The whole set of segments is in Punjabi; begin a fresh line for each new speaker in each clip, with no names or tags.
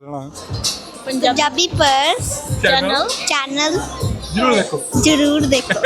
पंजाबी पर्स चैनल जरूर देखो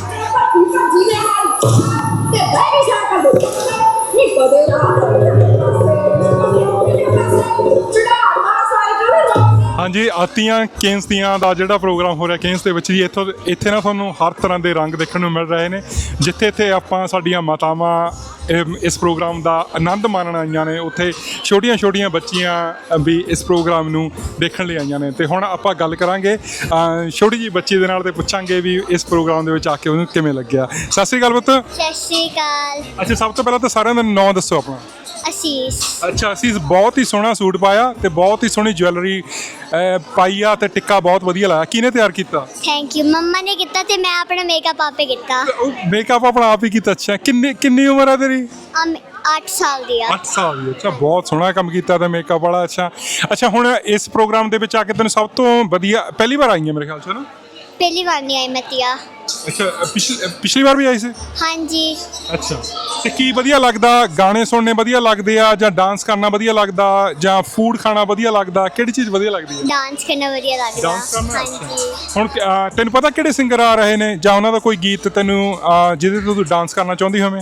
हाँ जी आतियाँ केन्स दियाँ ਦਾ ਜਿਹੜਾ ਪ੍ਰੋਗਰਾਮ ਹੋ ਰਿਹਾ ਕੇਨਸ ਦੇ ਵਿੱਚ ਜੀ ਇੱਥੇ ਨਾ ਤੁਹਾਨੂੰ ਹਰ ਤਰ੍ਹਾਂ ਦੇ ਰੰਗ ਦੇਖਣ ਨੂੰ ਮਿਲ ਰਹੇ ਨੇ ਜਿੱਥੇ ਇੱਥੇ ਆਪਾਂ ਸਾਡੀਆਂ ਮਾਤਾਵਾਂ ਇਸ ਪ੍ਰੋਗਰਾਮ ਦਾ ਆਨੰਦ ਮਾਣਨ ਆਈਆਂ ਨੇ ਉੱਥੇ ਛੋਟੀਆਂ ਬੱਚੀਆਂ ਵੀ ਇਸ ਪ੍ਰੋਗਰਾਮ ਨੂੰ ਦੇਖਣ ਲਈ ਆਈਆਂ ਨੇ ਤੇ ਹੁਣ ਆਪਾਂ ਗੱਲ ਕਰਾਂਗੇ ਛੋਟੀ ਜਿਹੀ ਬੱਚੀ ਦੇ ਨਾਲ ਤੇ ਪੁੱਛਾਂਗੇ ਵੀ ਇਸ ਪ੍ਰੋਗਰਾਮ ਦੇ ਵਿੱਚ ਆ ਕੇ ਉਹਨੂੰ ਕਿਵੇਂ ਲੱਗਿਆ। ਸਤਿ ਸ਼੍ਰੀ ਅਕਾਲ ਪੁੱਤ।
सत श्री अकाल।
ਅੱਛਾ ਸਭ ਤੋਂ ਪਹਿਲਾਂ ਤਾਂ ਸਾਰਿਆਂ ਦਾ ਨਾਂ ਦੱਸੋ ਆਪਣਾ।
आशीष।
ਅੱਛਾ ਅਸੀਂ ਬਹੁਤ ਹੀ ਸੋਹਣਾ ਸੂਟ ਪਾਇਆ ਤੇ ਬਹੁਤ ਹੀ ਸੋਹਣੀ ਜੁਐਲਰੀ ਪਾਈ ਆ ਤੇ ਟਿੱਕਾ ਬਹੁਤ ਵਧੀਆ ਲਾਇਆ। ਕਿਹਨੇ ਤਿਆਰ ਕੀਤਾ?
थैंक यू मम्मा ने किया ते मैं अपना मेकअप आपे किया।
ਮੇਕਅਪ ਆਪਣਾ ਆਪ ਹੀ ਕੀਤਾ। ਅੱਛਾ ਕਿੰਨੀ ਉਮਰ ਹੈ ਤੇਰੀ?
8 साल दी
8 ਸਾਲ ਦੀ। ਅੱਛਾ ਬਹੁਤ ਸੋਹਣਾ ਕੰਮ ਕੀਤਾ ਤੇ ਮੇਕਅਪ ਵਾਲਾ। ਅੱਛਾ ਹੁਣ ਇਸ ਪ੍ਰੋਗਰਾਮ ਦੇ ਵਿੱਚ ਆ ਕੇ ਤੈਨੂੰ ਸਭ ਤੋਂ ਵਧੀਆ ਪਹਿਲੀ ਵਾਰ ਆਈ ਹੈ ਮੇਰੇ ਖਿਆਲ 'ਚ ਨਾ?
पहली बार नहीं आई मैं तिया।
ਅੱਛਾ ਪਿਛਲੀ ਵਾਰ ਵੀ ਆਈ ਸੀ?
हाँ जी।
ਅੱਛਾ ਤੇ ਕੀ ਵਧੀਆ ਲੱਗਦਾ? ਗਾਣੇ ਸੁਣਨੇ ਵਧੀਆ ਲੱਗਦੇ ਆ ਜਾਂ ਡਾਂਸ ਕਰਨਾ ਵਧੀਆ ਲੱਗਦਾ ਜਾਂ ਫੂਡ ਖਾਣਾ ਵਧੀਆ ਲੱਗਦਾ? ਕਿਹੜੀ ਚੀਜ਼ ਵਧੀਆ ਲੱਗਦੀ ਹੈ?
डांस करना बढ़िया लगता।
ਡਾਂਸ ਕਰਨਾ।
हाँ जी।
ਹੁਣ ਤੈਨੂੰ ਪਤਾ ਕਿਹੜੇ ਸਿੰਗਰ ਆ ਰਹੇ ਨੇ ਜਾਂ ਉਹਨਾਂ ਦਾ ਕੋਈ ਗੀਤ ਤੈਨੂੰ ਜਿਹਦੇ ਤੋਂ ਤੂੰ ਡਾਂਸ ਕਰਨਾ ਚਾਹੁੰਦੀ ਹੋਵੇਂ?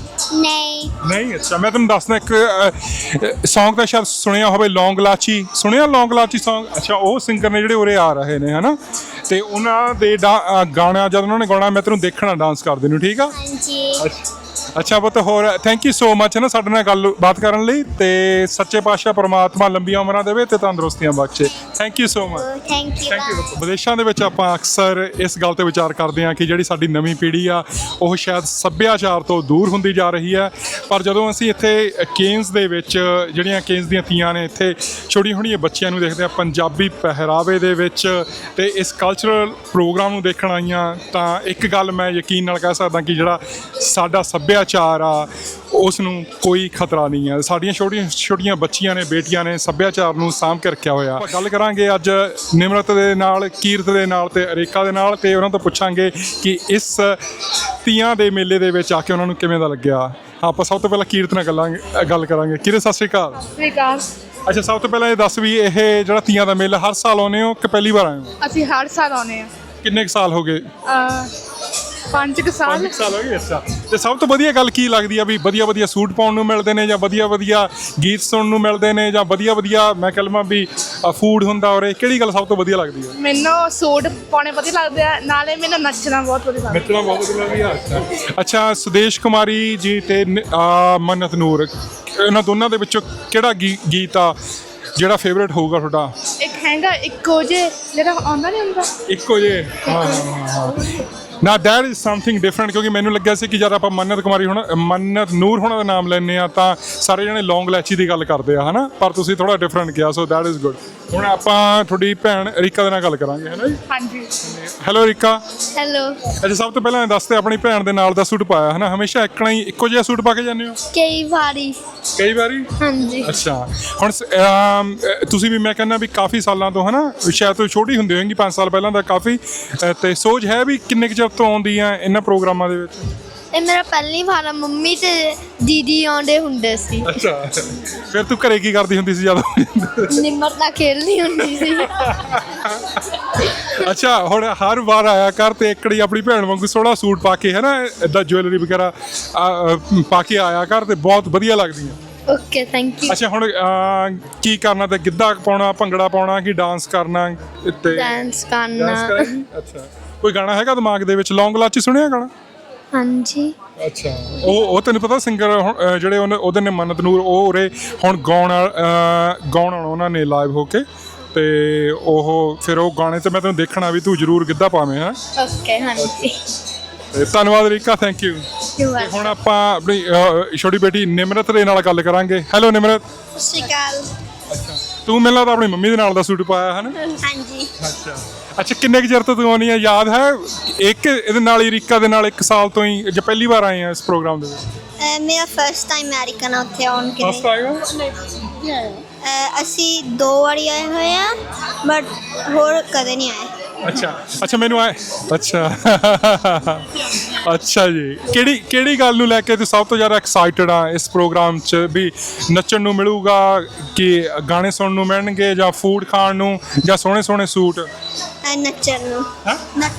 ਨਹੀਂ। ਅੱਛਾ ਮੈਂ ਤੁਹਾਨੂੰ ਦੱਸਦਾ ਇੱਕ ਸੌਂਗ ਤਾਂ ਸ਼ਾਇਦ ਸੁਣਿਆ ਹੋਵੇ ਲੌਂਗ ਲਾਚੀ। ਸੁਣਿਆ ਲੌਂਗ ਲਾਚੀ ਸੌਂਗ? ਅੱਛਾ ਉਹ ਸਿੰਗਰ ਨੇ ਜਿਹੜੇ ਉਰੇ ਆ ਰਹੇ ਨੇ ਹਨਾ ਤੇ ਉਹਨਾਂ ਦੇ ਗਾਣਾ ਜਦ ਉਹਨਾਂ ਨੇ ਗਾਉਣਾ ਮੈਂ ਤੈਨੂੰ ਦੇਖਣਾ ਡਾਂਸ ਕਰਦੇ ਨੂੰ। ਠੀਕ ਆ?
हाँ जी।
ਅੱਛਾ ਪੁੱਤ ਹੋਰ ਥੈਂਕ ਯੂ ਸੋ ਮਚ ਹੈ ਨਾ ਸਾਡੇ ਨਾਲ ਗੱਲਬਾਤ ਕਰਨ ਲਈ ਤੇ ਸੱਚੇ ਪਾਤਸ਼ਾਹ ਪ੍ਰਮਾਤਮਾ ਲੰਬੀਆਂ ਉਮਰਾਂ ਦੇਵੇ ਤੇ ਤੰਦਰੁਸਤੀਆਂ ਬਖਸ਼ੇ। Thank you so much.
Thank you.
ਵਿਦੇਸ਼ਾਂ ਦੇ ਵਿੱਚ ਆਪਾਂ ਅਕਸਰ ਇਸ ਗੱਲ ਤੇ ਵਿਚਾਰ ਕਰਦੇ ਹਾਂ ਕਿ ਜਿਹੜੀ ਸਾਡੀ ਨਵੀਂ ਪੀੜ੍ਹੀ ਆ ਉਹ ਸ਼ਾਇਦ ਸੱਭਿਆਚਾਰ ਤੋਂ ਦੂਰ ਹੁੰਦੀ ਜਾ ਰਹੀ ਹੈ ਪਰ ਜਦੋਂ ਅਸੀਂ ਇੱਥੇ ਕੇਨਸ ਦੇ ਵਿੱਚ ਜਿਹੜੀਆਂ ਕੇਨਸ ਦੀਆਂ ਤੀਆਂ ਨੇ ਇੱਥੇ ਛੋਟੀਆਂ ਬੱਚਿਆਂ ਨੂੰ ਦੇਖਦੇ ਆ ਪੰਜਾਬੀ ਪਹਿਰਾਵੇ ਦੇ ਵਿੱਚ ਤੇ ਇਸ ਕਲਚਰਲ ਪ੍ਰੋਗਰਾਮ ਨੂੰ ਦੇਖਣ ਆਈਆਂ ਤਾਂ ਇੱਕ ਗੱਲ ਮੈਂ ਯਕੀਨ ਨਾਲ ਕਹਿ ਸਕਦਾ ਕਿ ਜਿਹੜਾ ਸਾਡਾ ਸੱਭਿਆਚਾਰ ਆ ਉਸ ਨੂੰ ਕੋਈ ਖਤਰਾ ਨਹੀਂ ਹੈ। ਸਾਡੀਆਂ ਛੋਟੀਆਂ ਬੱਚੀਆਂ ਨੇ ਬੇਟੀਆਂ ਨੇ ਸੱਭਿਆਚਾਰ ਨੂੰ ਸਾਂਭ ਕੇ ਰੱਖਿਆ ਹੋਇਆ। ਆਪਾਂ ਗੱਲ ਕਰਾਂਗੇ ਅੱਜ ਨਿਮਰਤ ਦੇ ਨਾਲ ਕੀਰਤ ਦੇ ਨਾਲ ਤੇ ਅਰੇਕਾ ਦੇ ਨਾਲ ਤੇ ਉਹਨਾਂ ਤੋਂ ਪੁੱਛਾਂਗੇ ਕਿ ਇਸ ਤੀਆਂ ਦੇ ਮੇਲੇ ਦੇ ਵਿੱਚ ਆ ਕੇ ਉਹਨਾਂ ਨੂੰ ਕਿਵੇਂ ਦਾ ਲੱਗਿਆ। ਆਪਾਂ ਸਭ ਤੋਂ ਪਹਿਲਾਂ ਕੀਰਤ ਨਾਲ ਗੱਲ ਕਰਾਂਗੇ। ਕੀਰਤ ਸਤਿ ਸ਼੍ਰੀ ਅਕਾਲ।
ਸਤਿ ਸ਼੍ਰੀ ਅਕਾਲ।
ਅੱਛਾ ਸਭ ਤੋਂ ਪਹਿਲਾਂ ਇਹ ਦੱਸ ਵੀ ਇਹ ਜਿਹੜਾ ਤੀਆਂ ਦਾ ਮੇਲਾ ਹਰ ਸਾਲ ਆਉਂਦੇ ਹੋ ਕਿ ਪਹਿਲੀ ਵਾਰ ਆਏ ਹੋ?
ਅਸੀਂ ਹਰ ਸਾਲ ਆਉਂਦੇ ਆ।
ਕਿੰਨੇ ਕੁ ਸਾਲ ਹੋ ਗਏ?
5 ਸਾਲ।
5 ਸਾਲ ਹੋ ਗਏ। ਅੱਛਾ ਤੇ ਸਭ ਤੋਂ ਵਧੀਆ ਗੱਲ ਕੀ ਲੱਗਦੀ ਆ ਵੀ ਵਧੀਆ ਸੂਟ ਪਾਉਣ ਨੂੰ ਮਿਲਦੇ ਨੇ ਜਾਂ ਵਧੀਆ ਗੀਤ ਸੁਣਨ ਨੂੰ ਮਿਲਦੇ ਨੇ ਜਾਂ ਵਧੀਆ ਮੈਂ ਕਹਿ ਲਵਾਂ ਵੀ ਫੂਡ ਹੁੰਦਾ ਔਰ ਕਿਹੜੀ ਗੱਲ ਸਭ ਤੋਂ ਵਧੀਆ ਲੱਗਦੀ ਆ?
ਮੈਨੂੰ ਸੂਟ ਪਾਉਣੇ ਵਧੀਆ ਲੱਗਦੇ ਆ ਨਾਲੇ ਮੈਨੂੰ ਨੱਚਣਾ ਬਹੁਤ ਵਧੀਆ ਲੱਗਦਾ।
ਨੱਚਣਾ ਬਹੁਤ ਵਧੀਆ ਲੱਗਦਾ। ਅੱਛਾ ਸੁਦੇਸ਼ ਕੁਮਾਰੀ ਜੀ ਤੇ ਮੰਨਤ ਨੂਰ ਇਹਨਾਂ ਦੋਨਾਂ ਦੇ ਵਿੱਚੋਂ ਕਿਹੜਾ ਗੀਤ ਆ ਜਿਹੜਾ ਫੇਵਰੇਟ ਹੋਊਗਾ ਤੁਹਾਡਾ?
ਇੱਕ ਹੈਗਾ ਇੱਕੋ ਜੇ ਜਿਹੜਾ ਆਉਂਦਾ ਨਹੀਂ ਹੁੰਦਾ
ਇੱਕੋ ਜੇ। ਹਾਂ ਨਾ ਦੈਟ ਇਜ਼ ਸਮਥਿੰਗ ਡਿਫਰੈਂਟ ਕਿਉਂਕਿ ਮੈਨੂੰ ਲੱਗਿਆ ਸੀ ਕਿ ਜਦ ਆਪਾਂ ਮੰਨਤ ਨੂਰ ਹੋਣਾ ਦਾ ਨਾਮ ਲੈਂਦੇ ਆ ਤਾਂ ਸਾਰੇ ਜਣੇ ਲੌਂਗ ਲੈਚੀ ਦੀ ਗੱਲ ਕਰਦੇ ਆ ਹਨਾ ਪਰ ਤੁਸੀਂ ਥੋੜਾ ਡਿਫਰੈਂਟ ਕਿਹਾ ਸੋ ਦੈਟ ਇਜ਼ ਗੁੱਡ। ਹੁਣ ਆਪਾਂ ਤੁਹਾਡੀ ਭੈਣ ਰੀਕਾ ਦੇ ਨਾਲ ਗੱਲ ਕਰਾਂਗੇ ਹੈ ਨਾ ਜੀ?
ਹਾਂਜੀ।
ਹੈਲੋ ਰੀਕਾ।
हेलो।
ਅੱਛਾ ਸਭ ਤੋਂ ਪਹਿਲਾਂ ਇਹ ਦੱਸ ਤੇ ਆਪਣੀ ਭੈਣ ਦੇ ਨਾਲ ਦਾ ਸੂਟ ਪਾਇਆ ਹੈ ਨਾ ਹਮੇਸ਼ਾ ਇੱਕੋ ਜਿਹਾ ਸੂਟ ਪਾ ਕੇ ਜਾਂਦੇ ਹੋ?
कई बारी।
ਕਈ ਵਾਰੀ?
हाँ जी।
ਅੱਛਾ ਹੁਣ ਤੁਸੀਂ ਵੀ ਮੈਂ ਕਹਿੰਦਾ ਵੀ ਕਾਫੀ ਸਾਲਾਂ ਤੋਂ ਹਨਾ ਸ਼ਾਇਦ ਤੁਸੀਂ ਛੋਟੀ ਹੁੰਦੇ ਹੋਏਗੀ 5 ਸਾਲ ਪਹਿਲਾਂ ਦਾ ਕਾਫੀ ਤੇ ਸੋਚ ਹੈ ਵੀ ਕਿੰਨੇ ਕੁ ਚਿਰ ਤੋਂ ਆਉਂਦੀ ਆ ਇਹਨਾਂ ਪ੍ਰੋਗਰਾਮਾਂ ਦੇ ਵਿੱਚ?
ਇਹ ਮੇਰਾ ਪਹਿਲੀ ਵਾਰ ਆ। ਮੰਮੀ ਤੇ ਦੀਦੀ ਆਉਂਦੇ ਹੁੰਦੇ ਸੀ।
ਅੱਛਾ ਫਿਰ ਤੂੰ ਘਰੇ ਕੀ ਕਰਦੀ ਹੁੰਦੀ ਸੀ ਜਦੋਂ?
ਨਿਮਰਤ ਨਾਲ ਖੇਲਦੀ ਹੁੰਦੀ ਸੀ।
ਅੱਛਾ ਹੁਣ ਹਰ ਵਾਰ ਆਇਆ ਕਰ ਤੇ ਇੱਕੜੀ ਆਪਣੀ ਭੈਣ ਵਾਂਗੂ ਸੋਹਣਾ ਸੂਟ ਪਾ ਕੇ ਹੈ ਨਾ ਇੱਦਾਂ ਜੁਐਲਰੀ ਵਗੈਰਾ ਪਾ ਕੇ ਆਇਆ ਕਰ ਤੇ ਬਹੁਤ ਵਧੀਆ ਲੱਗਦੀ ਹੈ।
Okay thank you.
ਅੱਛਾ ਹੁਣ ਕੀ ਕਰਨਾ ਤੇ ਗਿੱਧਾ ਪਾਉਣਾ ਭੰਗੜਾ ਪਾਉਣਾ ਕਿ ਡਾਂਸ ਕਰਨਾ ਤੇ
ਡਾਂਸ ਕਰਨਾ।
ਅੱਛਾ ਕੋਈ ਗਾਣਾ ਹੈਗਾ ਦਿਮਾਗ ਦੇ ਵਿੱਚ? ਲੌਂਗ ਲਾਚੀ ਸੁਣਿਆ ਗਾਣਾ?
ਹਾਂਜੀ।
ਅੱਛਾ ਉਹ ਤੈਨੂੰ ਪਤਾ ਸਿੰਗਰ ਜਿਹੜੇ ਉਹਦੇ ਨੇ ਮੰਨਤ ਨੂਰ ਉਹ ਉਰੇ ਹੁਣ ਗਾਉਣ ਉਹਨਾਂ ਨੇ ਲਾਈਵ ਹੋ ਕੇ ਤੇ ਉਹ ਫਿਰ ਉਹ ਗਾਣੇ ਤੇ ਮੈਂ ਤੈਨੂੰ ਦੇਖਣਾ ਵੀ ਤੂੰ ਜ਼ਰੂਰ ਗਿੱਧਾ ਪਾਵੇਂ ਹੈ।
ਓਕੇ ਹਾਂਜੀ।
ਧੰਨਵਾਦ ਰੀਕਾ ਥੈਂਕ ਯੂ। ਹੁਣ ਆਪਾਂ ਆਪਣੀ ਛੋਟੀ ਬੇਟੀ ਨਿਮਰਤ ਦੇ ਨਾਲ ਗੱਲ ਕਰਾਂਗੇ। ਹੈਲੋ ਨਿਮਰਤ।
ਸਤਿ ਸ਼੍ਰੀ ਅਕਾਲ।
ਅੱਛਾ ਤੂੰ ਮੈਨੂੰ ਲੱਗਦਾ ਆਪਣੀ ਮੰਮੀ ਦੇ ਨਾਲ ਦਾ ਸੂਟ ਪਾਇਆ ਹੈ ਨਾ?
ਹਾਂਜੀ।
ਅੱਛਾ ਕਿੰਨੇ ਕੁ ਚਿਰ ਤੋਂ ਤੂੰ ਆਉਣੀ ਆ ਯਾਦ ਹੈ? ਇੱਕ ਇਹਦੇ ਨਾਲ ਹੀ ਰੀਕਾ ਦੇ ਨਾਲ 1 ਸਾਲ ਤੋਂ ਹੀ ਜਾਂ ਪਹਿਲੀ ਵਾਰ ਆਏ ਆ ਇਸ ਪ੍ਰੋਗਰਾਮ ਦੇ ਵਿੱਚ?
ਮੇਰਾ ਫਰਸਟ ਟਾਈਮ ਅਮਰੀਕਾ ਨਾਲ ਉੱਥੇ ਆਉਣ ਕੇ
ਫਸਟ ਆਏਗਾ?
ਅਸੀਂ 2 ਵਾਰੀ ਆਏ ਹੋਏ ਆ ਬਟ ਹੋਰ ਕਦੇ ਨਹੀਂ ਆਏ।
ਅੱਛਾ ਮੈਨੂੰ ਆਏ ਅੱਛਾ ਅੱਛਾ ਜੀ, ਕਿਹੜੀ ਗੱਲ ਨੂੰ ਲੈ ਕੇ ਤੁਸੀਂ ਸਭ ਤੋਂ ਜ਼ਿਆਦਾ ਐਕਸਾਈਟਡ ਆ ਇਸ ਪ੍ਰੋਗਰਾਮ 'ਚ ਵੀ ਨੱਚਣ ਨੂੰ ਮਿਲੂਗਾ ਕਿ ਗਾਣੇ ਸੁਣਨ ਨੂੰ ਮਿਲਣਗੇ ਜਾਂ ਫੂਡ ਖਾਣ ਨੂੰ ਜਾਂ ਸੋਹਣੇ ਸੋਹਣੇ ਸੂਟ?
ਨੱਚਣ ਨੂੰ।
ਹੈਂ?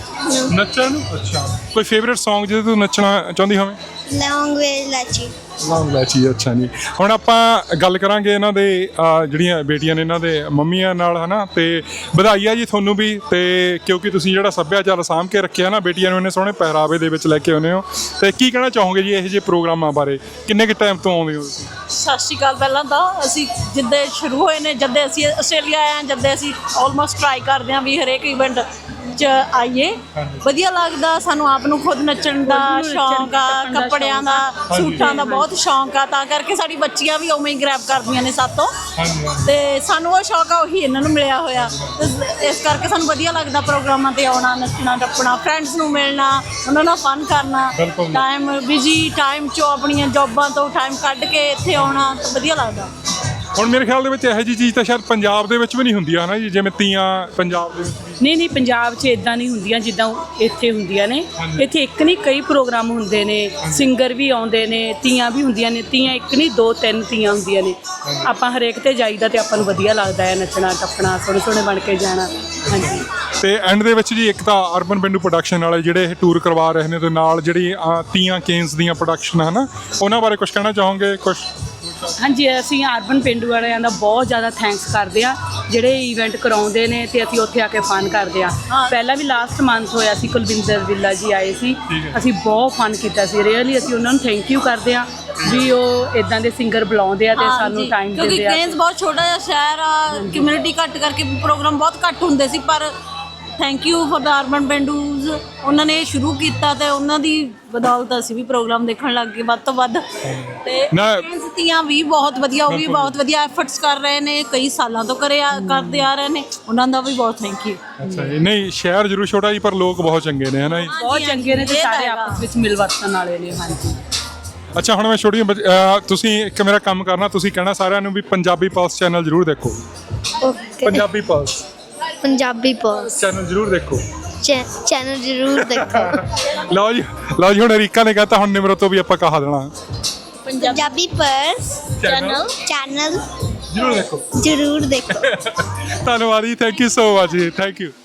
ਨੱਚਣ ਨੂੰ। ਅੱਛਾ, ਕੋਈ ਫੇਵਰਿਟ Song ਜਿਹਦੇ ਤੂੰ ਨੱਚਣਾ ਚਾਹੁੰਦੀ ਹੋਵੇਂ?
ਲੌਂਗ ਵੇ ਲਾਚੀ।
ਲੌਂਗ ਲੈਚੀ। ਅੱਛਾ ਜੀ, ਹੁਣ ਆਪਾਂ ਗੱਲ ਕਰਾਂਗੇ ਇਹਨਾਂ ਦੇ ਜਿਹੜੀਆਂ ਬੇਟੀਆਂ ਨੇ ਇਹਨਾਂ ਦੇ ਮੰਮੀਆਂ ਨਾਲ, ਹਨਾ। ਤੇ ਵਧਾਈ ਆ ਜੀ ਤੁਹਾਨੂੰ ਵੀ, ਤੇ ਕਿਉਂਕਿ ਤੁਸੀਂ ਜਿਹੜਾ ਸੱਭਿਆਚਾਰ ਸਾਂਭ ਕੇ ਰੱਖਿਆ ਨਾ, ਬੇਟੀਆਂ ਨੂੰ ਇੰਨੇ ਸੋਹਣੇ ਪਹਿਰਾਵੇ ਦੇ ਵਿੱਚ ਲੈ ਕੇ ਆਉਂਦੇ ਹੋ। ਤੇ ਕੀ ਕਹਿਣਾ ਚਾਹੋਗੇ ਜੀ ਇਹੋ ਜਿਹੇ ਪ੍ਰੋਗਰਾਮਾਂ ਬਾਰੇ? ਕਿੰਨੇ ਕੁ ਟਾਈਮ ਤੋਂ ਆਉਂਦੇ ਹੋ ਤੁਸੀਂ?
ਸਤਿ ਸ਼੍ਰੀ ਅਕਾਲ। ਪਹਿਲਾਂ ਤਾਂ ਅਸੀਂ ਜਿੱਦੇ ਸ਼ੁਰੂ ਹੋਏ ਨੇ, ਜਦ ਅਸੀਂ ਆਸਟ੍ਰੇਲੀਆ ਆਏ ਹਾਂ, ਜਦ ਅਸੀਂ ਆਲਮੋਸਟ ਟਰਾਈ ਕਰਦੇ ਹਾਂ ਵੀ ਹਰੇਕ ਇਵੈਂਟ 'ਚ ਆਈਏ। ਵਧੀਆ ਲੱਗਦਾ ਸਾਨੂੰ, ਆਪ ਨੂੰ ਖੁਦ ਨੱਚਣ ਦਾ ਸ਼ੌਂਕ ਆ, ਕੱਪੜਿਆਂ ਦਾ, ਸੂਟਾਂ ਦਾ ਬਹੁਤ ਸ਼ੌਂਕ ਆ, ਤਾਂ ਕਰਕੇ ਸਾਡੀ ਬੱਚੀਆਂ ਵੀ ਉਵੇਂ ਹੀ ਗ੍ਰੈਬ ਕਰਦੀਆਂ ਨੇ ਸਾਤੋਂ। ਤੇ ਸਾਨੂੰ ਉਹ ਸ਼ੌਂਕ ਆ, ਉਹੀ ਇਹਨਾਂ ਨੂੰ ਮਿਲਿਆ ਹੋਇਆ। ਇਸ ਕਰਕੇ ਸਾਨੂੰ ਵਧੀਆ ਲੱਗਦਾ ਪ੍ਰੋਗਰਾਮਾਂ ਤੇ ਆਉਣਾ, ਨੱਚਣਾ ਟੱਪਣਾ, ਫਰੈਂਡਸ ਨੂੰ ਮਿਲਣਾ, ਉਹਨਾਂ ਨਾਲ ਫਨ ਕਰਨਾ। ਟਾਈਮ ਬਿਜੀ ਟਾਈਮ 'ਚੋਂ ਆਪਣੀਆਂ ਜੌਬਾਂ ਤੋਂ ਟਾਈਮ ਕੱਢ ਕੇ ਇੱਥੇ ਆਉਣਾ ਤਾਂ ਵਧੀਆ ਲੱਗਦਾ।
ਹੁਣ ਮੇਰੇ ਖਿਆਲ ਦੇ ਵਿੱਚ ਇਹੋ ਜਿਹੀ ਚੀਜ਼ ਤਾਂ ਸ਼ਾਇਦ ਪੰਜਾਬ ਦੇ ਵਿੱਚ ਵੀ ਨਹੀਂ ਹੁੰਦੀ ਹੈ ਨਾ ਜੀ, ਜਿਵੇਂ ਤੀਆਂ ਪੰਜਾਬ ਦੇ ਵਿੱਚ ਵੀ।
ਨਹੀਂ ਪੰਜਾਬ 'ਚ ਇਦਾਂ ਨਹੀਂ ਹੁੰਦੀਆਂ ਜਿੱਦਾਂ ਇੱਥੇ ਹੁੰਦੀਆਂ ਨੇ। ਇੱਥੇ ਇੱਕ ਨਹੀਂ ਕਈ ਪ੍ਰੋਗਰਾਮ ਹੁੰਦੇ ਨੇ, ਸਿੰਗਰ ਵੀ ਆਉਂਦੇ ਨੇ, ਤੀਆਂ ਵੀ ਹੁੰਦੀਆਂ ਨੇ। ਤੀਆਂ ਇੱਕ ਨਹੀਂ 2-3 ਤੀਆਂ ਹੁੰਦੀਆਂ ਨੇ। ਆਪਾਂ ਹਰੇਕ ਤੇ ਜਾਈਦਾ ਤੇ ਆਪਾਂ ਨੂੰ ਵਧੀਆ ਲੱਗਦਾ ਹੈ ਨੱਚਣਾ ਟੱਪਣਾ, ਸੋਹਣੇ ਸੋਹਣੇ ਬਣ ਕੇ ਜਾਣਾ। ਹਾਂਜੀ।
ਤੇ ਐਂਡ ਦੇ ਵਿੱਚ ਜੀ ਇੱਕ ਤਾਂ ਅਰਬਨ ਪਿੰਡੂ ਪ੍ਰੋਡਕਸ਼ਨ ਵਾਲੇ ਜਿਹੜੇ ਇਹ ਟੂਰ ਕਰਵਾ ਰਹੇ ਨੇ, ਤੇ ਨਾਲ ਜਿਹੜੀ ਤੀਆਂ ਕੇਨਸ ਦੀਆਂ ਪ੍ਰੋਡਕਸ਼ਨ ਹਨ, ਉਹਨਾਂ ਬਾਰੇ ਕੁਝ ਕਹਿਣਾ ਚਾਹੋਗੇ? ਕੁਝ?
ਹਾਂਜੀ, ਅਸੀਂ ਅਰਬਨ ਪਿੰਡੂ ਵਾਲਿਆਂ ਦਾ ਬਹੁਤ ਜ਼ਿਆਦਾ ਥੈਂਕਸ ਕਰਦੇ ਹਾਂ ਜਿਹੜੇ ਇਵੈਂਟ ਕਰਾਉਂਦੇ ਨੇ ਤੇ ਅਸੀਂ ਉੱਥੇ ਆ ਕੇ ਫਨ ਕਰਦੇ ਹਾਂ। ਪਹਿਲਾਂ ਵੀ ਲਾਸਟ ਮੰਥ ਹੋਇਆ ਸੀ, ਕੁਲਵਿੰਦਰ ਵਿੱਲਾ ਜੀ ਆਏ ਸੀ, ਅਸੀਂ ਬਹੁਤ ਫਨ ਕੀਤਾ ਸੀ। ਰੀਅਲੀ ਅਸੀਂ ਉਹਨਾਂ ਨੂੰ ਥੈਂਕ ਯੂ ਕਰਦੇ ਹਾਂ ਵੀ ਉਹ ਇਦਾਂ ਦੇ ਸਿੰਗਰ ਬੁਲਾਉਂਦੇ ਆ ਤੇ ਸਾਨੂੰ ਟਾਈਮ ਦਿੰਦੇ ਆ।
ਕਿਉਂਕਿ ਕੇਨਸ ਬਹੁਤ ਛੋਟਾ ਜਿਹਾ ਸ਼ਹਿਰ ਆ, ਕਮਿਊਨਿਟੀ ਘੱਟ ਕਰਕੇ ਪ੍ਰੋਗਰਾਮ ਬਹੁਤ ਘੱਟ ਹੁੰਦੇ ਸੀ, ਪਰ thank you for the urban Pendus. ਉਹਨਾਂ ਨੇ ਸ਼ੁਰੂ ਕੀਤਾ ਤੇ ਉਹਨਾਂ ਦੀ ਬਦੌਲਤ ਅਸੀਂ ਵੀ ਪ੍ਰੋਗਰਾਮ ਦੇਖਣ ਲੱਗ ਗਏ ਵੱਧ ਤੋਂ ਵੱਧ। ਤੇ ਕੇਨਸ ਵੀ ਬਹੁਤ ਵਧੀਆ, ਉਹ ਵੀ ਬਹੁਤ ਵਧੀਆ ਐਫਰਟਸ ਕਰ ਰਹੇ ਨੇ, ਕਈ ਸਾਲਾਂ ਤੋਂ ਕਰਦੇ ਆ ਰਹੇ ਨੇ, ਉਹਨਾਂ ਦਾ ਵੀ ਬਹੁਤ ਥੈਂਕ ਯੂ।
ਅੱਛਾ ਜੀ, ਨਹੀਂ ਸ਼ਹਿਰ ਜ਼ਰੂਰ ਛੋਟਾ ਜੀ, ਪਰ ਲੋਕ ਬਹੁਤ ਚੰਗੇ ਨੇ, ਹੈ ਨਾ ਜੀ?
ਬਹੁਤ ਚੰਗੇ ਨੇ ਤੇ ਸਾਰੇ ਆਪਸ ਵਿੱਚ ਮਿਲ ਵਰਤਣ ਵਾਲੇ ਨੇ। ਹਾਂਜੀ।
ਅੱਛਾ, ਹੁਣ ਮੈਂ ਛੋਟੀ ਤੁਸੀਂ ਇੱਕ ਮੇਰਾ ਕੰਮ ਕਰਨਾ, ਤੁਸੀਂ ਕਹਿਣਾ ਸਾਰਿਆਂ ਨੂੰ ਵੀ ਪੰਜਾਬੀ ਪਲਸ ਚੈਨਲ ਜ਼ਰੂਰ ਦੇਖੋ।
ਓਕੇ।
ਪੰਜਾਬੀ ਪਲਸ ਚੈਨਲ ਜ਼ਰੂਰ ਦੇਖੋ।
ਚੈਨਲ ਜ਼ਰੂਰ ਦੇਖੋ।
ਲਓ ਜੀ ਹੁਣ ਰੀਕਾ ਨੇ ਕਹਤਾ, ਹੁਣ ਨਿਮਰਤ ਤੋਂ ਵੀ ਆਪਾਂ ਕਹਾ ਦੇਣਾ
ਪੰਜਾਬੀ ਪਲਸ ਚੈਨਲ
ਜ਼ਰੂਰ ਦੇਖੋ।
ਜ਼ਰੂਰ ਦੇਖੋ।
ਧੰਨਵਾਦ ਜੀ, ਥੈਂਕ ਯੂ ਸੋ ਮਚ ਜੀ, ਥੈਂਕ ਯੂ।